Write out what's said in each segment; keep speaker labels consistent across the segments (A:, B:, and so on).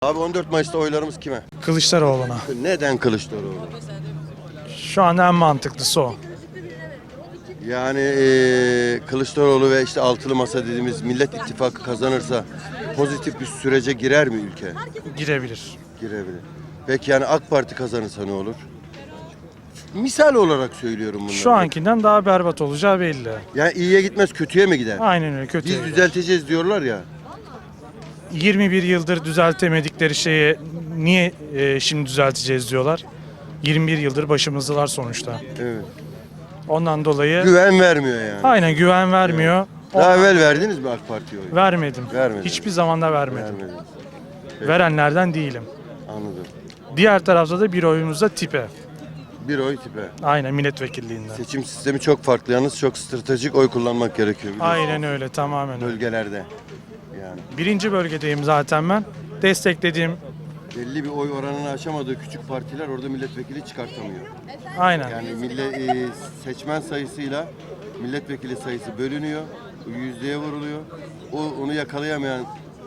A: Abi 14 Mayıs'ta oylarımız kime?
B: Kılıçdaroğlu'na.
A: Neden Kılıçdaroğlu?
B: Şu an en mantıklısı o.
A: Yani Kılıçdaroğlu ve işte altılı masa dediğimiz Millet İttifakı kazanırsa pozitif bir sürece girer mi ülke?
B: Girebilir.
A: Girebilir. Peki yani AK Parti kazanırsa ne olur? Misal olarak söylüyorum bunları.
B: Şu ankinden daha berbat olacağı belli.
A: Yani iyiye gitmez kötüye mi gider?
B: Aynen öyle, kötü.
A: Biz düzelteceğiz diyorlar ya.
B: 21 yıldır düzeltemedikleri şeyi niye şimdi düzelteceğiz diyorlar. 21 yıldır başımızdalar sonuçta.
A: Evet.
B: Ondan dolayı
A: Güven vermiyor yani.
B: aynen güven vermiyor.
A: Daha evvel verdiniz mi AK Parti'ye oy?
B: Vermedim.
A: Vermedin.
B: Hiçbir zaman da vermedim.
A: Vermediniz.
B: Verenlerden değilim.
A: Anladım.
B: Diğer tarafta da bir oyumuz da tipe.
A: Bir oy tipe.
B: Aynen milletvekilliğinden.
A: Seçim sistemi çok farklı. Yalnız çok stratejik oy kullanmak gerekiyor. biliyorsun.
B: Aynen öyle, tamamen öyle.
A: Bölgelerde. Yani
B: Birinci bölgedeyim zaten ben. Desteklediğim
A: belli bir oy oranını aşamadığı küçük partiler orada milletvekili çıkartamıyor.
B: aynen.
A: Yani seçmen sayısıyla milletvekili sayısı bölünüyor. Yüzdeye vuruluyor. Onu yakalayamayan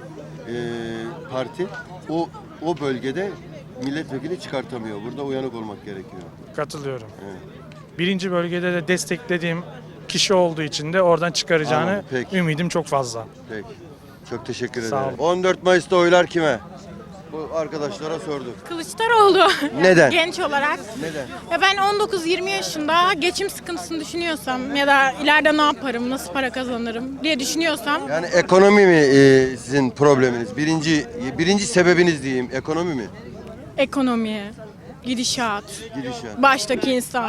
A: parti o bölgede milletvekili çıkartamıyor. Burada uyanık olmak gerekiyor.
B: Katılıyorum.
A: Evet.
B: Birinci bölgede de desteklediğim kişi olduğu için de oradan çıkaracağını
A: Anladım, peki.
B: ümidim çok fazla.
A: Peki. Çok teşekkür
B: Sağ
A: ederim.
B: olun.
A: 14 Mayıs'ta oylar kime? Bu arkadaşlara sorduk.
C: Kılıçdaroğlu.
A: Neden?
C: Genç olarak.
A: Neden?
C: Ya ben 19-20 yaşında geçim sıkıntısını düşünüyorsam ya da ileride ne yaparım, nasıl para kazanırım diye düşünüyorsam
A: Yani ekonomi mi sizin probleminiz? Birinci sebebiniz diyeyim ekonomi mi?
C: ekonomiye, gidişat,
A: Gidişat.
C: baştaki insan.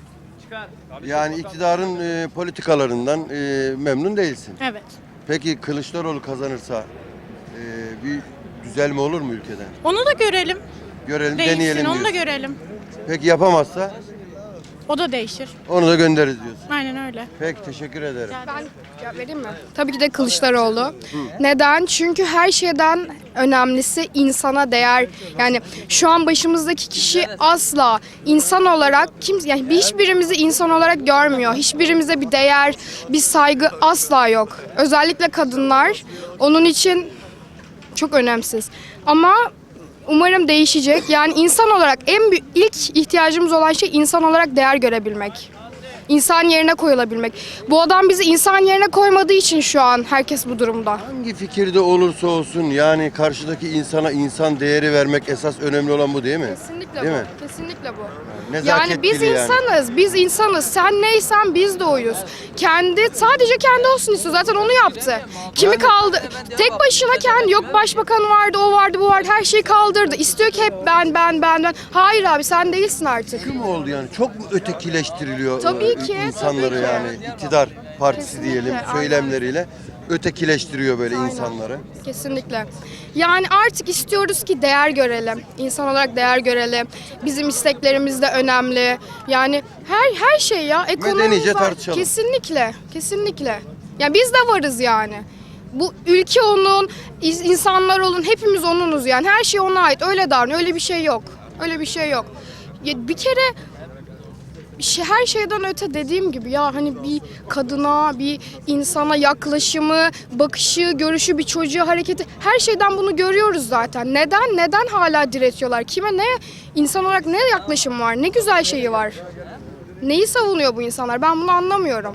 A: Yani iktidarın politikalarından memnun değilsin.
C: Evet.
A: Peki Kılıçdaroğlu kazanırsa bir düzelme olur mu ülkede?
C: Onu da görelim.
A: Görelim,
C: Değişsin,
A: deneyelim
C: onu da
A: diyorsun.
C: görelim.
A: Peki yapamazsa
C: O da değişir.
A: onu da göndeririz diyorsun.
C: Aynen öyle.
A: Peki teşekkür ederim.
D: Ben cevap vereyim mi? Tabii ki de Kılıçdaroğlu. Neden? Çünkü her şeyden önemlisi insana değer. Yani şu an başımızdaki kişi asla insan olarak yani hiçbirimizi insan olarak görmüyor. Hiçbirimize bir değer, bir saygı asla yok. Özellikle kadınlar onun için çok önemsiz. Ama umarım değişecek. Yani insan olarak ilk ihtiyacımız olan şey insan olarak değer görebilmek. İnsan yerine koyulabilmek. Bu adam bizi insan yerine koymadığı için şu an herkes bu durumda.
A: Hangi fikirde olursa olsun yani karşıdaki insana insan değeri vermek esas önemli olan bu değil mi?
D: Kesinlikle
A: Değil
D: bu.
A: mi?
D: Kesinlikle bu.
A: Nezaket
D: Yani biz
A: dili yani.
D: biz insanız. Sen neysen biz de oyuz. Sadece kendi olsun istiyor. Zaten onu yaptı. Kimi kaldı? Tek başına kendi, yok başbakan vardı, o vardı, bu vardı, her şeyi kaldırdı. İstiyor ki hep ben. Hayır abi sen değilsin artık.
A: Kim oldu yani? Çok mu ötekileştiriliyor
D: Tabii ki,
A: insanları
D: tabii ki.
A: yani iktidar partisi
D: Kesinlikle,
A: diyelim
D: aynen.
A: söylemleriyle ötekileştiriyor böyle insanları.
D: Kesinlikle. Yani artık istiyoruz ki değer görelim. İnsan olarak değer görelim. Bizim isteklerimiz de önemli. Yani her şey ya. Ekonomi
A: Medenice
D: var.
A: tartışalım.
D: Kesinlikle. Kesinlikle. Ya biz de varız yani. Bu ülke onun, insanlar onun, hepimiz onunuz yani. Her şey ona ait. Öyle davranıyor. Öyle bir şey yok. Öyle bir şey yok. Ya bir kere her şeyden öte dediğim gibi ya hani bir kadına, bir insana yaklaşımı, bakışı, görüşü, bir çocuğa hareketi, her şeyden bunu görüyoruz zaten. Neden hala diretiyorlar? Kime insan olarak ne yaklaşım var? Ne güzel şeyi var? Neyi savunuyor bu insanlar? Ben bunu anlamıyorum.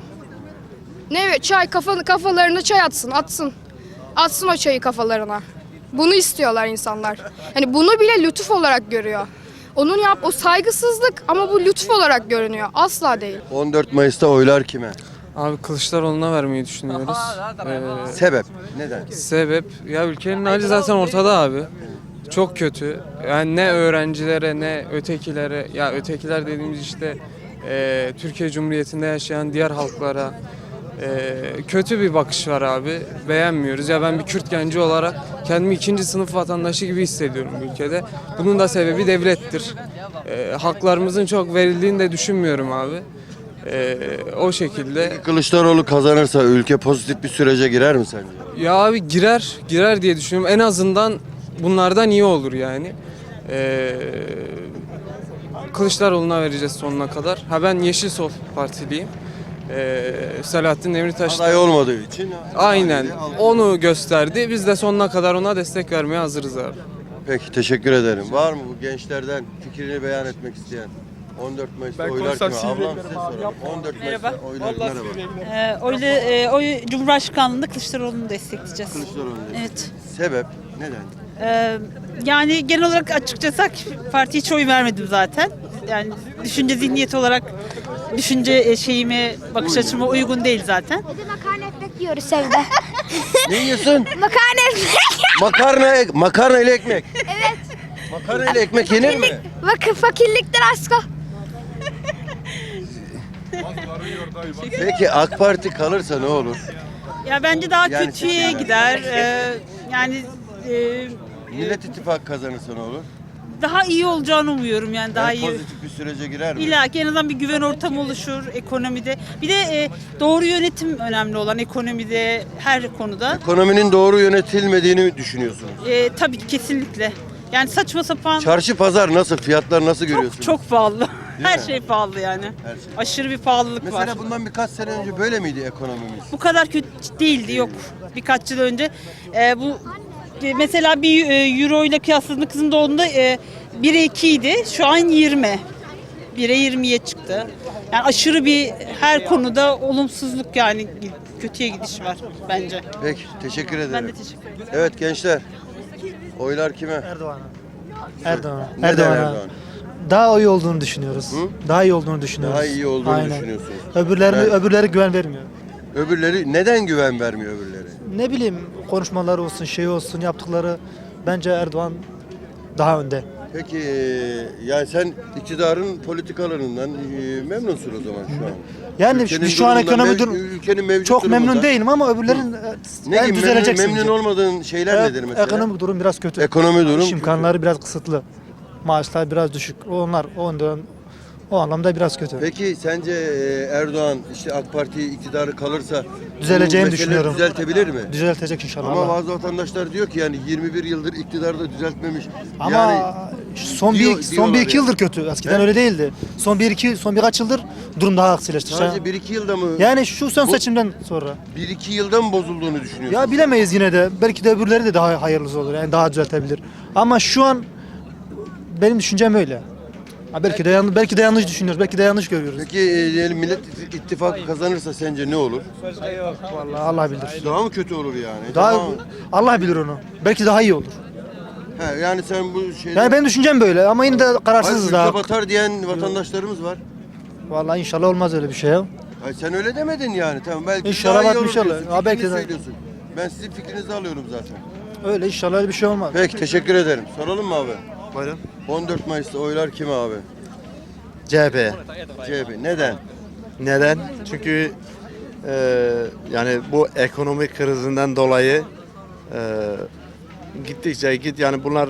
D: Kafalarına çay atsın. Atsın o çayı kafalarına. Bunu istiyorlar insanlar. Hani bunu bile lütuf olarak görüyor. O saygısızlık ama bu lütuf olarak görünüyor. Asla değil.
A: 14 Mayıs'ta oylar kime?
E: Abi Kılıçdaroğlu'na vermeyi düşünüyoruz.
A: Sebep? Neden?
E: Sebep ya ülkenin hali zaten ortada abi. Çok kötü. Yani ne öğrencilere ne ötekilere, ya ötekiler dediğimiz işte Türkiye Cumhuriyeti'nde yaşayan diğer halklara kötü bir bakış var abi. Beğenmiyoruz. Ya ben bir Kürt genci olarak kendimi ikinci sınıf vatandaşı gibi hissediyorum bu ülkede. Bunun da sebebi devlettir. Haklarımızın çok verildiğini de düşünmüyorum abi. O şekilde.
A: Kılıçdaroğlu kazanırsa ülke pozitif bir sürece girer mi sence?
E: Ya abi girer diye düşünüyorum. En azından bunlardan iyi olur yani. Kılıçdaroğlu'na vereceğiz sonuna kadar. Ben Yeşil Sol Partiliyim. Selahattin Demirtaş
A: Aday olmadığı için.
E: aynen onu gösterdi. Biz de sonuna kadar ona destek vermeye hazırız abi.
A: Peki teşekkür ederim. Var mı bu gençlerden fikrini beyan etmek isteyen? 14 Mayıs'ta oylar kime? Ablam size soralım. 14 Mayıs'ta oylar merhaba.
F: Oy Cumhurbaşkanlığında Kılıçdaroğlu'nu destekleyeceğiz.
A: Kılıçdaroğlu dedi.
F: Evet.
A: Sebep? Neden?
F: Yani genel olarak açıkçası partiye hiç oy vermedim zaten. Yani düşünce zihniyeti olarak düşünce şeyime, bakış açıma uygun değil zaten.
G: Makarna ekmek yiyoruz evde.
A: Ne yiyorsun?
G: Makarna ekmek.
A: Makarna ile ekmek. Evet. Makarna ile ekmek yenir mi?
G: Bakın fakirlikten asko.
A: Peki AK Parti kalırsa ne olur?
F: Ya bence daha
A: Yani
F: kötüye
A: seçimler.
F: gider. Yani
A: Millet İttifakı kazanırsa ne olur?
F: daha iyi olacağını umuyorum yani daha
A: Yani
F: iyi.
A: pozitif bir sürece girer mi?
F: İlla ki en azından bir güven ortamı oluşur ekonomide. Bir de doğru yönetim önemli olan ekonomide her konuda.
A: Ekonominin doğru yönetilmediğini düşünüyorsunuz.
F: Tabii ki kesinlikle. Yani saçma sapan
A: Çarşı pazar nasıl? Fiyatlar nasıl görüyorsunuz?
F: çok pahalı. Her
A: mi?
F: şey pahalı yani.
A: Her şey.
F: Aşırı bir pahalılık
A: Mesela
F: var.
A: bundan birkaç sene önce böyle miydi ekonomimiz?
F: Bu kadar kötü değildi yok. Birkaç yıl önce bu mesela bir euro ile kıyasladığında kızın doğduğunda 1'e 2 idi. Şu an 20. 1'e 20'ye çıktı. Yani aşırı bir her konuda olumsuzluk yani kötüye gidiş var bence.
A: Peki teşekkür ederim.
F: Ben de teşekkür ederim.
A: Evet gençler. Oylar kime?
H: Erdoğan'a. Erdoğan'a.
A: Neden
H: Erdoğan'a.
A: Erdoğan?
H: Daha iyi olduğunu düşünüyoruz.
A: Hı?
H: Daha iyi olduğunu düşünüyoruz.
A: Daha iyi olduğunu
H: Aynen.
A: düşünüyorsunuz.
H: Öbürleri güven vermiyor.
A: Öbürleri neden güven vermiyor öbürleri?
H: Ne bileyim konuşmaları olsun, şey olsun, yaptıkları bence Erdoğan daha önde.
A: Peki yani sen iktidarın politikalarından memnunsun o zaman şu an.
H: Yani
A: Ülkenin
H: şu an
A: durumundan,
H: ekonomi
A: ülkenin mevcut
H: çok memnun
A: durumundan.
H: değilim ama öbürlerin
A: Ne
H: yani
A: gibi
H: düzelecek
A: memnun
H: bence.
A: olmadığın şeyler nedir mesela?
H: Ekonomik durum biraz kötü.
A: Ekonomi durum
H: İş imkanları biraz kısıtlı. Maaşlar biraz düşük. Onlar o anlamda biraz kötü.
A: Peki sence Erdoğan işte AK Parti iktidarı kalırsa
H: Düzeleceğini
A: bu meseleleri
H: düşünüyorum.
A: düzeltebilir mi?
H: Düzeltecek inşallah.
A: Ama
H: Allah.
A: bazı vatandaşlar diyor ki yani 21 yıldır iktidarda düzeltmemiş.
H: Ama
A: yani
H: son
A: diyorlar
H: bir iki
A: yani.
H: yıldır kötü. Eskiden
A: He?
H: öyle değildi. Son birkaç yıldır durum daha aksileşti.
A: sadece 1-2 yılda mı?
H: Yani şu son
A: Bu-
H: seçimden sonra.
A: 1-2 yılda mı bozulduğunu düşünüyorsun?
H: Ya bilemeyiz yine de. Belki de öbürleri de daha hayırlısı olur. Yani daha düzeltebilir. Ama şu an benim düşüncem öyle. Ha belki de yanlış düşünüyoruz. Belki de yanlış görüyoruz.
A: Peki diyelim Millet İttifakı kazanırsa sence ne olur?
H: Vallahi Allah bilir.
A: Daha mı kötü olur yani?
H: Daha Allah bilir onu. Belki daha iyi olur.
A: He, yani sen bu şeyde...
H: Yani benim düşüncem böyle ama yine de
A: Hayır,
H: kararsızız
A: ülke
H: daha.
A: batar diyen vatandaşlarımız var.
H: Vallahi inşallah olmaz öyle bir şey ya.
A: Ay sen öyle demedin yani. Tamam belki
H: İnşallah
A: daha iyi
H: batmış
A: olur
H: olur.
A: diyorsun.
H: Ha, belki
A: Fikrini
H: de.
A: söylüyorsun. Ben sizin fikrinizi alıyorum zaten.
H: Öyle inşallah öyle bir şey olmaz.
A: Peki teşekkür ederim. Soralım mı abi?
I: Buyurun.
A: 14 Mayıs'ta oylar kime abi?
I: CHP.
A: CHP. Neden?
I: Neden? Çünkü yani bu ekonomik krizinden dolayı gittikçe yani bunlar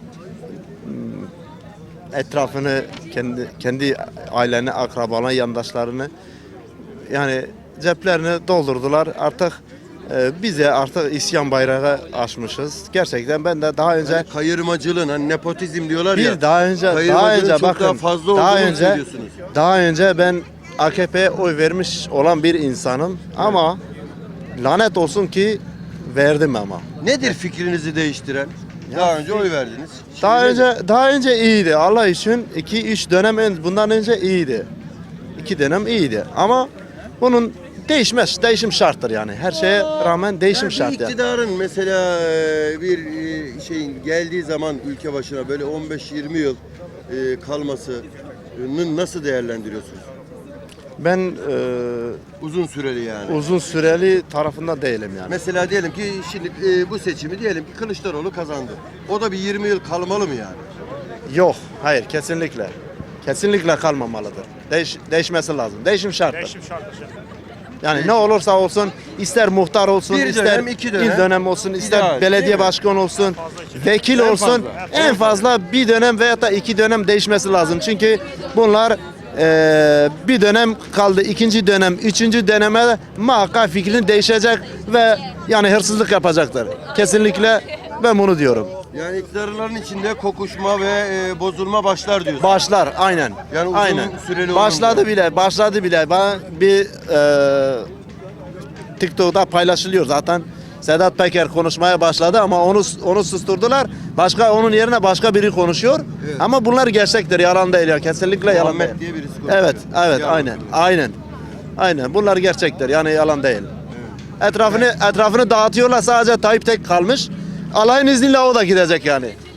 I: etrafını kendi aileni, akrabalarını, yandaşlarını yani ceplerini doldurdular. Artık bize artık isyan bayrağı açmışız. Gerçekten ben de daha önce
A: Yani kayırmacılığın hani nepotizm diyorlar ya.
I: daha önce
A: kayırmacılığın çok
I: bakın
A: daha fazla
I: daha
A: olduğunu
I: önce
A: söylüyorsunuz.
I: daha önce ben AKP'ye oy vermiş olan bir insanım ama lanet olsun ki verdim ama.
A: Nedir fikrinizi değiştiren? Daha önce oy verdiniz. Şimdi
I: Daha önce iyiydi. Allah için 2-3 dönem bundan önce iyiydi. 2 dönem iyiydi ama bunun değişim şarttır yani. Her şeye rağmen değişim
A: bir
I: şart yani.
A: iktidarın mesela bir şeyin geldiği zaman ülke başına böyle 15-20 yıl kalmasını nasıl değerlendiriyorsunuz?
I: Ben
A: Uzun süreli yani.
I: uzun süreli tarafında değilim yani.
A: Mesela diyelim ki şimdi bu seçimi diyelim ki Kılıçdaroğlu kazandı. O da bir 20 yıl kalmalı mı yani?
I: Yok, hayır kesinlikle. Kesinlikle kalmamalıdır. Değişmesi lazım. Değişim şarttır. Yani ne olursa olsun ister muhtar olsun,
A: Bir
I: ister
A: dönem, iki dönem.
I: il dönem olsun, ister
A: İdeal, değil
I: belediye
A: mi?
I: başkanı olsun, vekil
A: En
I: olsun.
A: fazla.
I: En fazla bir dönem veya da 2 dönem değişmesi lazım. Çünkü bunlar bir dönem kaldı, ikinci dönem, üçüncü döneme muhakkak fikrin değişecek ve yani hırsızlık yapacaktır. Kesinlikle ben bunu diyorum.
A: Yani iktidarların içinde kokuşma ve bozulma başlar diyorsun.
I: Başlar aynen.
A: Yani uzun
I: aynen.
A: süreli
I: Başladı
A: olunca.
I: başladı bile. Bana bir TikTok'ta paylaşılıyor zaten. Sedat Peker konuşmaya başladı ama onu susturdular. Onun yerine başka biri konuşuyor.
A: Evet.
I: Ama bunlar gerçektir, yalan değil ya. Kesinlikle yalan değil.
A: Muhammed diye birisi konuşuyor.
I: Evet,
A: Yalan.
I: aynen. Bunlar gerçektir. Yani yalan değil. Etrafını dağıtıyorlar. Sadece Tayyip tek kalmış. Allah'ın izniyle o da gidecek yani.